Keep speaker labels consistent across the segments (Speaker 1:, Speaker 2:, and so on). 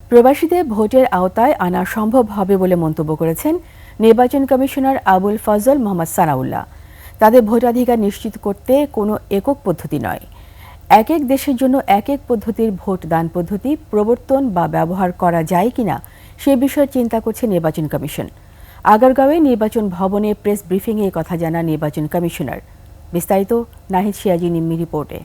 Speaker 1: প্রবাসীদের ভোটের আওতায় আনা সম্ভব হবে বলে মন্তব্য করেছেন নির্বাচন কমিশনার আবুল ফজল মোহাম্মদ সানাউল্লাহ। তাদের ভোটাধিকার নিশ্চিত করতে কোনো একক পদ্ধতি নয়, এক এক দেশের জন্য এক এক পদ্ধতির ভোট দান পদ্ধতি প্রবর্তন বা ব্যবহার করা যায় কিনা সে বিষয়ে চিন্তা করছে নির্বাচন কমিশন। আগারগাঁওয়ে নির্বাচন ভবনে প্রেস ব্রিফিংয়ে এই কথা জানান নির্বাচন কমিশনার। বিস্তারিত নাহিদ সিরাজি নিম্মি রিপোর্টে।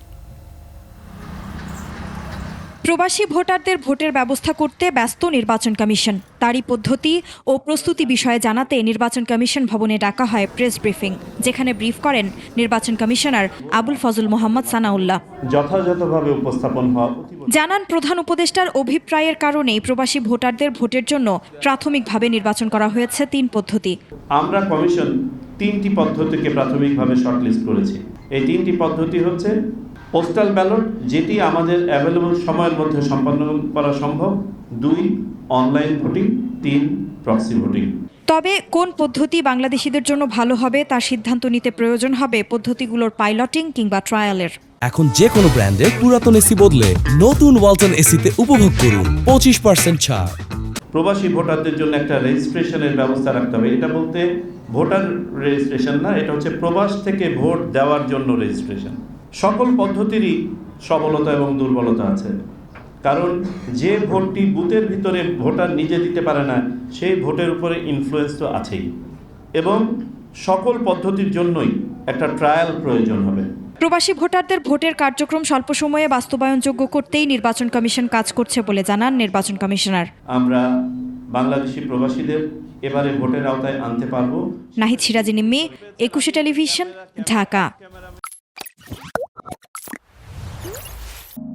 Speaker 2: প্রবাসী ভোটারদের ভোটের ব্যবস্থা করতে ব্যস্ত নির্বাচন কমিশন। তারই পদ্ধতি ও প্রস্তুতি বিষয়ে জানাতে নির্বাচন কমিশন ভবনে ডাকা হয় প্রেস ব্রিফিং, যেখানে ব্রিফ করেন নির্বাচন কমিশনার আবুল ফজল মোহাম্মদ সানাউল্লাহ।
Speaker 3: যথাযথভাবে উপস্থাপন হওয়া
Speaker 2: জানান, প্রধান উপদেষ্টার অভিপ্রায়ের কারণেই প্রবাসী ভোটারদের ভোটের জন্য প্রাথমিকভাবে নির্বাচন করা হয়েছে 3 পদ্ধতি।
Speaker 3: আমরা কমিশন 3টি পদ্ধতিকে প্রাথমিকভাবে শর্টলিস্ট করেছি। এই 3টি পদ্ধতি হচ্ছে পোস্টাল ব্যালট, যেটি আমাদের অ্যাভেলেবল সময়ের মধ্যে সম্পন্ন করা সম্ভব, 2 অনলাইন ভোটিং, 3 প্রক্সি ভোটিং।
Speaker 2: তবে কোন পদ্ধতি বাংলাদেশিদের জন্য ভালো হবে তার সিদ্ধান্ত নিতে প্রয়োজন হবে পদ্ধতিগুলোর পাইলটিং কিংবা ট্রায়ালের।
Speaker 4: এখন যে কোনো ব্র্যান্ডের পুরাতন এসি বদলে নতুন ওয়ালটন এসিতে উপভোগ করুন 25% ছাড়।
Speaker 3: প্রবাসী ভোটারদের জন্য একটা রেজিস্ট্রেশনের ব্যবস্থা রাখতে হবে। এটা বলতে ভোটার রেজিস্ট্রেশন না, এটা হচ্ছে প্রবাস থেকে ভোট দেওয়ার জন্য রেজিস্ট্রেশন। সকল পদ্ধতিরই সবলতা এবং দুর্বলতা আছে, কারণ যে ভোটটি বুথের ভিতরে ভোটার নিজে দিতে পারে না, সেই ভোটের উপরে ইনফ্লুয়েন্স তো আছেই, এবং সকল পদ্ধতির জন্যই একটা ট্রায়াল প্রয়োজন হবে।
Speaker 2: প্রবাসী ভোটারদের ভোটের কার্যক্রম স্বল্প সময়ে বাস্তবায়নযোগ্য করতেই নির্বাচন কমিশন কাজ করছে বলে জানান নির্বাচন কমিশনার।
Speaker 3: আমরা বাংলাদেশি প্রবাসীদের এবারে ভোটের আওতায় আনতে পারবো।
Speaker 2: নাহিদ সিরাজি নিম্মি, 21 টেলিভিশন, ঢাকা।